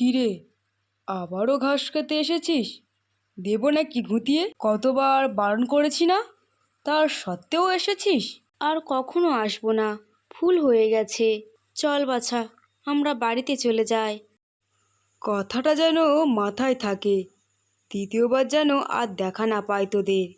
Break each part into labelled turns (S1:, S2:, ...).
S1: কিরে, আবারও ঘাস খেতে এসেছিস? দেব নাকি ঘুঁতিয়ে? কতবার বারণ করেছি না, তার সত্ত্বেও এসেছিস?
S2: আর কখনো আসবো না, ভুল হয়ে গেছে। চল বাছা, আমরা বাড়িতে চলে যাই।
S1: কথাটা যেন মাথায় থাকে, দ্বিতীয়বার যেন আর দেখা না পায় তোদের।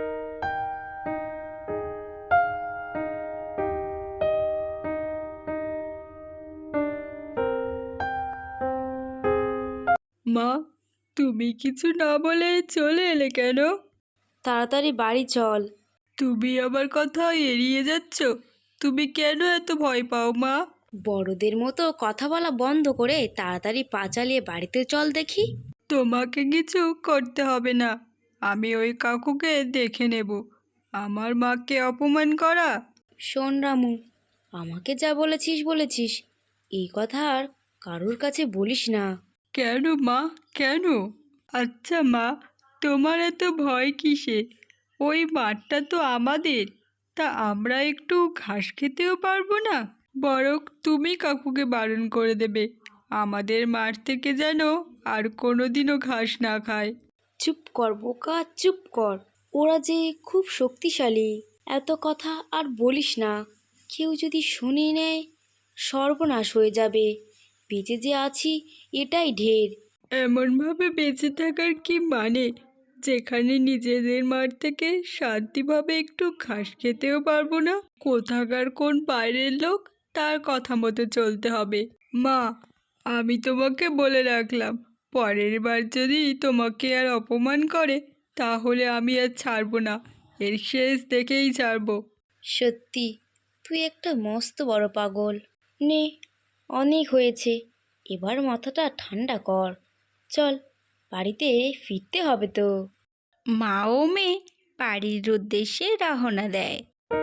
S1: মা, তুমি কিছু না বলে চলে এলে কেন?
S2: তাড়াতাড়ি বাড়ি চল।
S1: তুমি আমার কথা এড়িয়ে যাচ্ছ। তুমি কেন এত ভয় পাও মা?
S2: বড়দের মতো কথা বলা বন্ধ করে তাড়াতাড়ি পা চালিয়ে বাড়িতে চল দেখি।
S1: তোমাকে কিছু করতে হবে না, আমি ওই কাকুকে দেখে নেব। আমার মাকে অপমান করা।
S2: শোন রামু, আমাকে যা বলেছিস বলেছিস, এই কথা আর কারোর কাছে বলিস না।
S1: কেন মা, কেন? আচ্ছা মা, তোমার এত ভয় কিসে? ওই মাঠটা তো আমাদের, তা আমরা একটু ঘাস খেতেও পারবো না? বরং তুমি কাকুকে বারণ করে দেবে আমাদের মাঠ থেকে যেন আর কোনোদিনও ঘাস না খায়।
S2: চুপ কর বোকা, চুপ কর। ওরা যে খুব শক্তিশালী, এত কথা আর বলিস না। কেউ যদি শুনে নেয়, সর্বনাশ হয়ে যাবে। বেঁচে যে আছি এটাই ঢের।
S1: এমনভাবে বেঁচে থাকার কি মানে, যেখানে নিজেদের মাঠ থেকে শান্তিভাবে একটু ঘাস খেতেও পারবো না? কোথাকার কোন বাইরের লোক, তার কথা মতো চলতে হবে। মা, আমি তোমাকে বলে রাখলাম, পরের বার যদি তোমাকে আর অপমান করে, তাহলে আমি আর ছাড়বো না, এর শেষ দেখেই ছাড়বো।
S2: সত্যি, তুই একটা মস্ত বড় পাগল। নে, অনেক হয়েছে, এবার মাথাটা ঠান্ডা কর। চল, বাড়িতে ফিরতে হবে তো।
S3: মা ও মেয়ে বাড়ির উদ্দেশ্যে রওনা দেয়।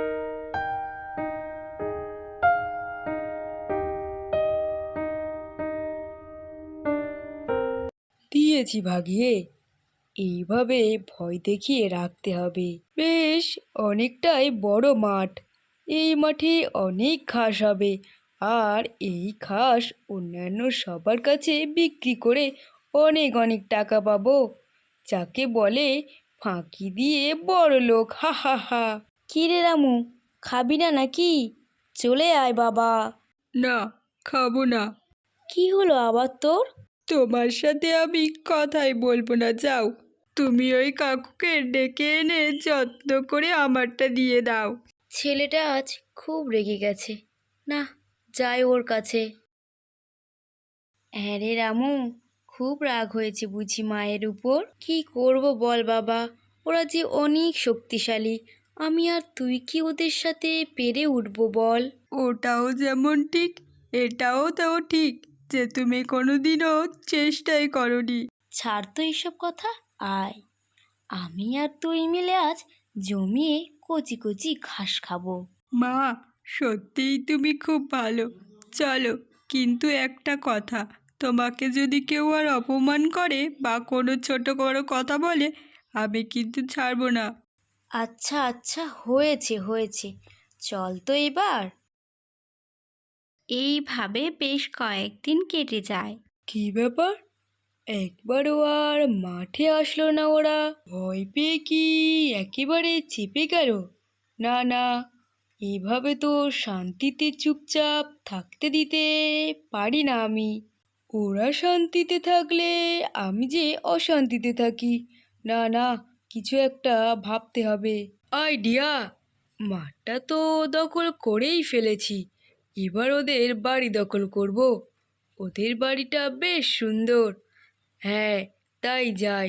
S1: দিয়েছি ভাগিয়ে, এইভাবে ভয় দেখিয়ে রাখতে হবে। বেশ, অনেকটাই বড় মাঠ, এই মাঠে অনেক ঘাস হবে। আর এই ঘাস অন্যান্য সবার কাছে বিক্রি করে অনেক অনেক টাকা পাবো, যাকে বলে ফাঁকি দিয়ে বড় লোক। হা হা হা।
S2: কি রে রামু, খাবি না নাকি? চলে আয় বাবা।
S1: না, খাবো না।
S2: কি হলো আবার তোর?
S1: তোমার সাথে আমি কথাই বলবো না, যাও। তুমি ওই কাকুকে ডেকে এনে যত্ন করে আমারটা দিয়ে দাও।
S2: ছেলেটা আজ খুব রেগে গেছে। না, যাই ওর কাছে। হ্যাঁ রে রামু, খুব রাগ হয়েছে বুঝি মায়ের উপর? কি করব বল বাবা, ওরা যে অনেক শক্তিশালী। আমি আর তুই কি ওদের সাথে পেরে উঠবো বল?
S1: ওটাও যেমন ঠিক, এটাও তাও ঠিক যে তুমি কোনোদিনও চেষ্টাই করনি।
S2: ছাড় তো এইসব কথা, আয়। আমি আর তুই মিলে আজ জমিয়ে কচি কচি ঘাস খাবো।
S1: মা, সত্যিই তুমি খুব ভালো। চলো, কিন্তু একটা কথা, তোমাকে যদি কেউ আর অপমান করে বা কোনো ছোট বড় কথা বলে, আমি কিন্তু ছাড়বো না।
S2: আচ্ছা আচ্ছা, হয়েছে হয়েছে, চল তো এবার।
S3: এইভাবে বেশ কয়েকদিন কেটে যায়।
S1: কি ব্যাপার, একবারও আর মাঠে আসলো না ওরা? ভয় পেয়ে কি একেবারে চেপে গেল? না না, এভাবে তো শান্তিতে চুপচাপ থাকতে দিতে পারি না আমি। ওরা শান্তিতে থাকলে আমি যে অশান্তিতে থাকি। না না, কিছু একটা ভাবতে হবে। আইডিয়া! মাঠটা তো দখল করেই ফেলেছি, এবার ওদের বাড়ি দখল করব। ওদের বাড়িটা বেশ সুন্দর। হ্যাঁ, তাই যাই।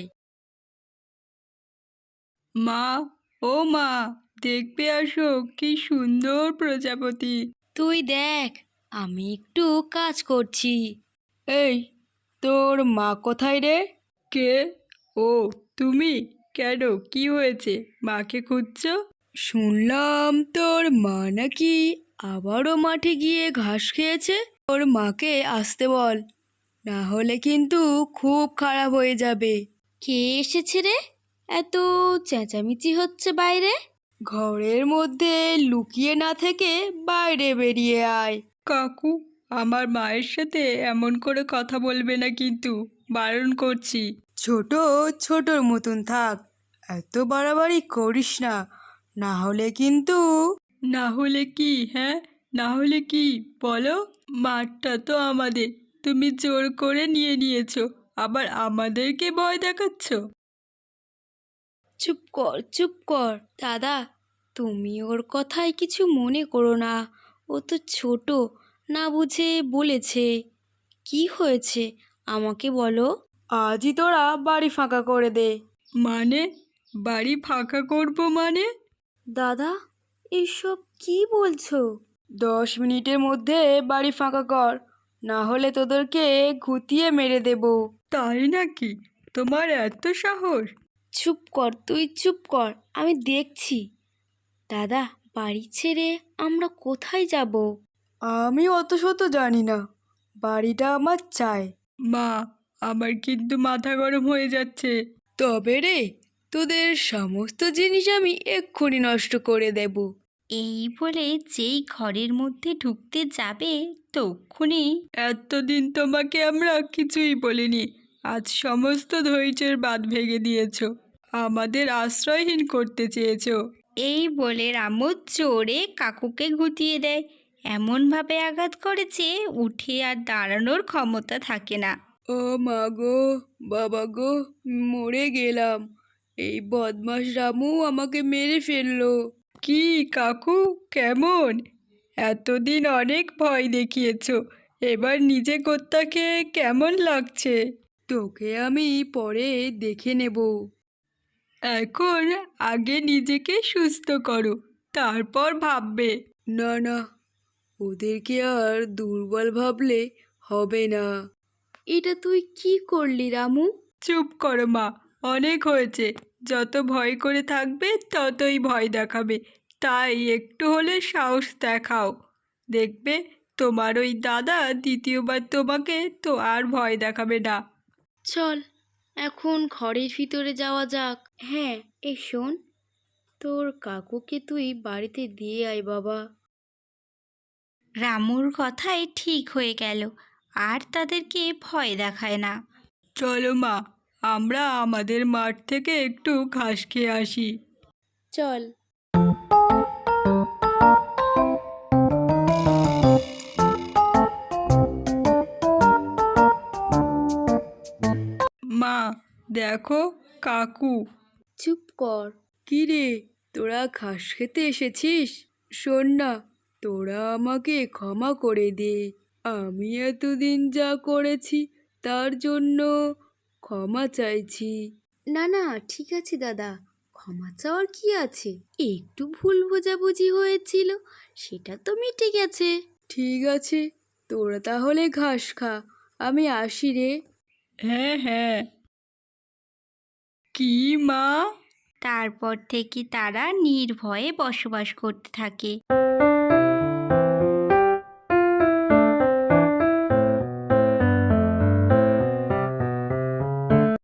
S1: মা, ও মা, দেখবে আসো কি সুন্দর প্রজাপতি।
S2: তুই দেখ, আমি একটু কাজ করছি।
S1: এই, তোর মা কোথায় রে? কে? ও, তুমি? কেন, কি হয়েছে? মাকে খুঁজছো? শুনলাম তোর মা নাকি আবারও মাঠে গিয়ে ঘাস খেয়েছে। ওর মাকে আসতে বল, না হলে কিন্তু খুব খারাপ হয়ে যাবে।
S2: কে এসেছে রে? এত চেঁচামেচি হচ্ছে বাইরে।
S1: ঘরের মধ্যে লুকিয়ে না থেকে বাইরে বেরিয়ে আয়। কাকু,
S3: আমার মায়ের সাথে এমন করে কথা বলবে না, কিন্তু বারণ করছি।
S1: ছোট ছোটর মতন থাক, এত বাড়াবাড়ি করিস না, না হলে কিন্তু।
S3: না হলে কি? হ্যাঁ, না হলে কি বলো? মাঠটা তো আমাদের, তুমি জোর করে নিয়ে নিয়েছো, আবার আমাদেরকে ভয় দেখাচ্ছ।
S2: চুপ কর, চুপ কর। দাদা, তুমি ওর কথায় কিছু মনে করো না। ও তো ছোট, না বুঝে বলেছে। কি হয়েছে আমাকে বলো।
S1: আজই তোরা বাড়ি ফাঁকা করে দে।
S3: মানে? বাড়ি ফাঁকা করব মানে?
S2: দাদা, এসব কি বলছো?
S1: 10 মিনিটের মধ্যে বাড়ি ফাঁকা কর, না হলে তোদেরকে ঘুতিয়ে মেরে দেব।
S3: তাই নাকি? তোমার এত সাহস?
S2: চুপ কর, তুই চুপ কর, আমি দেখছি। দাদা, বাড়ি ছেড়ে আমরা কোথায় যাব?
S1: আমি অত শত জানি না, বাড়িটা আমার চাই।
S3: মা, আমার কিন্তু মাথা গরম হয়ে যাচ্ছে।
S1: তবে রে, তোদের সমস্ত জিনিস আমি এক্ষুনি নষ্ট করে দেব।
S3: এই বলে যেই ঘরের মধ্যে ঢুকতে যাবে তক্ষুনি, এতদিন তোমাকে আমরা কিছুই বলিনি, আজ সমস্ত ধৈর্যের বাঁধ ভেঙে দিয়েছো, আমাদের আশ্রয়হীন করতে চেয়েছো। এই বলে রামু জোরে কাকুকে গুটিয়ে দেয়, এমনভাবে আঘাত করে যে উঠে আর দাঁড়ানোর ক্ষমতা থাকে না।
S1: ও মা গো, বাবা গো, মরে গেলাম। এই বদমাস রামু আমাকে মেরে ফেললো।
S3: কি কাকু, কেমন? এতদিন অনেক ভয় দেখিয়েছো, এবার নিজে কর্তাকে কেমন লাগছে?
S1: তোকে আমি পরে দেখে নেব।
S3: এখন আগে নিজেকে সুস্থ করো, তারপর ভাববে।
S1: না না, ওদেরকে আর দুর্বল ভাবলে হবে না।
S2: এটা তুই কি করলি রামু?
S3: চুপ করো মা, অনেক হয়েছে। যত ভয় করে থাকবে ততই ভয় দেখাবে, তাই একটু হলে সাহস দেখাও। দেখবে তোমার ওই দাদা দ্বিতীয়বার তোমাকে তো আর ভয় দেখাবে না।
S2: চল, এখন ঘরের ভিতরে যাওয়া যাক। হ্যাঁ, এই শোন, তোর কাকুকে তুই বাড়িতে দিয়ে আয় বাবা।
S3: রামুর কথাই ঠিক হয়ে গেল, আর তাদেরকে ভয় দেখায় না। চলো মা, আমরা আমাদের মাঠ থেকে একটু ঘাস খেয়ে আসি।
S2: চল।
S3: মা, দেখো কাকু।
S2: চুপ কর।
S1: কি রে, তোরা ঘাস খেতে এসেছিস? শোন না, তোরা আমাকে ক্ষমা করে দে। আমি এতদিন যা করেছি তার জন্য ক্ষমা চাইছি।
S2: না না, ঠিক আছে দাদা, ক্ষমা চাওয়ার কি আছে? একটু ভুল বোঝাবুঝি হয়েছিল, সেটা তো মিটে গেছে।
S1: ঠিক আছে, তোরা তাহলে ঘাস খা, আমি আসি রে।
S3: হ্যাঁ হ্যাঁ। কি মা? তারপর থেকে তারা নির্ভয়ে বসবাস করতে থাকে।